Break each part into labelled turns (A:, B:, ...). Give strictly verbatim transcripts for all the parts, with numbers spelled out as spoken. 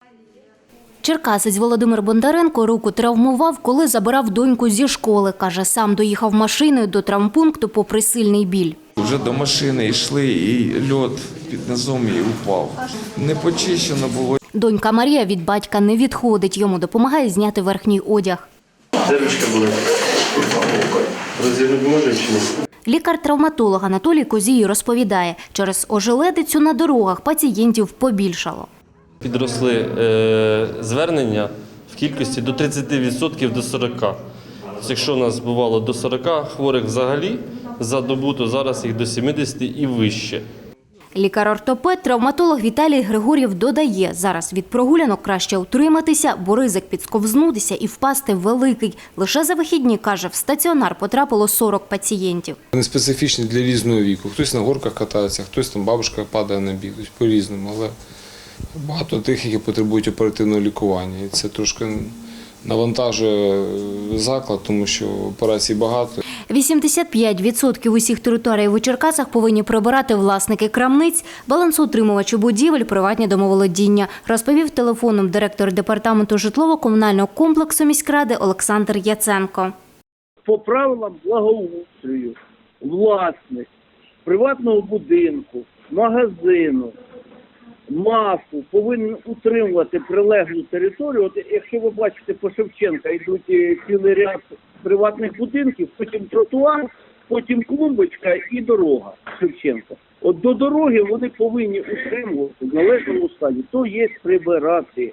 A: Черкасець Володимир Бондаренко руку травмував, коли забирав доньку зі школи. Каже, сам доїхав машиною до травмпункту попри сильний біль.
B: Вже до машини йшли і льод під низом і упав. Не почищено було.
A: Донька Марія від батька не відходить. Йому допомагає зняти верхній одяг.
C: Де ручка була? Розірвати може чи ні?
A: Лікар-травматолог Анатолій Козій розповідає, через ожеледицю на дорогах пацієнтів побільшало.
D: Підросли е, звернення в кількості до тридцяти відсотків до сорока. Якщо у нас бувало до сорока хворих взагалі за добу, то зараз їх до сімдесяти і вище.
A: Лікар-ортопед, травматолог Віталій Григор'єв додає, зараз від прогулянок краще утриматися, бо ризик підсковзнутися і впасти великий. Лише за вихідні, каже, в стаціонар потрапило сорок пацієнтів.
E: Вони специфічні для різного віку. Хтось на горках катається, хтось там бабушка падає на біг, по-різному. Але багато тих, які потребують оперативного лікування. І це трошки навантажує заклад, тому що операцій багато.
A: вісімдесят п'ять відсотків усіх територій у Черкасах повинні прибирати власники крамниць, балансоутримувачі будівель, приватні домоволодіння, розповів телефоном директор департаменту житлово-комунального комплексу міськради Олександр Яценко.
F: По правилам благоустрою власник приватного будинку, магазину, МАФу повинен утримувати прилеглу територію. От якщо ви бачите, по Шевченка йдуть цілий ряд приватних будинків, потім тротуар, потім клумбочка і дорога Шевченка. От до дороги вони повинні утримувати в належному стані, то є прибирати.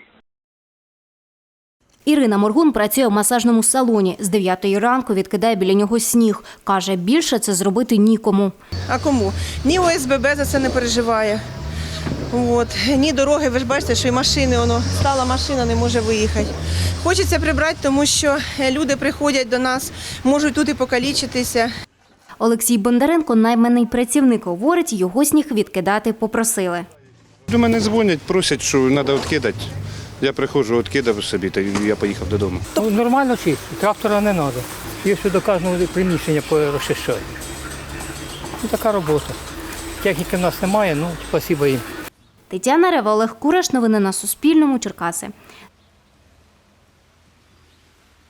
A: Ірина Моргун працює в масажному салоні. З дев'ятої ранку відкидає біля нього сніг. Каже, більше це зробити нікому.
G: А кому? Ні О С Б Б за це не переживає. От. Ні дороги, ви ж бачите, що і машини, воно, стала машина, не може виїхати. Хочеться прибрати, тому що люди приходять до нас, можуть тут і покалічитися.
A: Олексій Бондаренко, найманий працівник, говорить, його сніг відкидати попросили.
H: До мене дзвонять, просять, що треба відкидати. Я приходжу, відкидав собі, та я поїхав додому.
I: Ну, нормально чисто, трактора не треба. Якщо до кожного приміщення розчищають. Ну, така робота. Техніки в нас немає, ну, спасибо їм.
A: Тетяна Рева, Олег Кураш. Новини на Суспільному. Черкаси.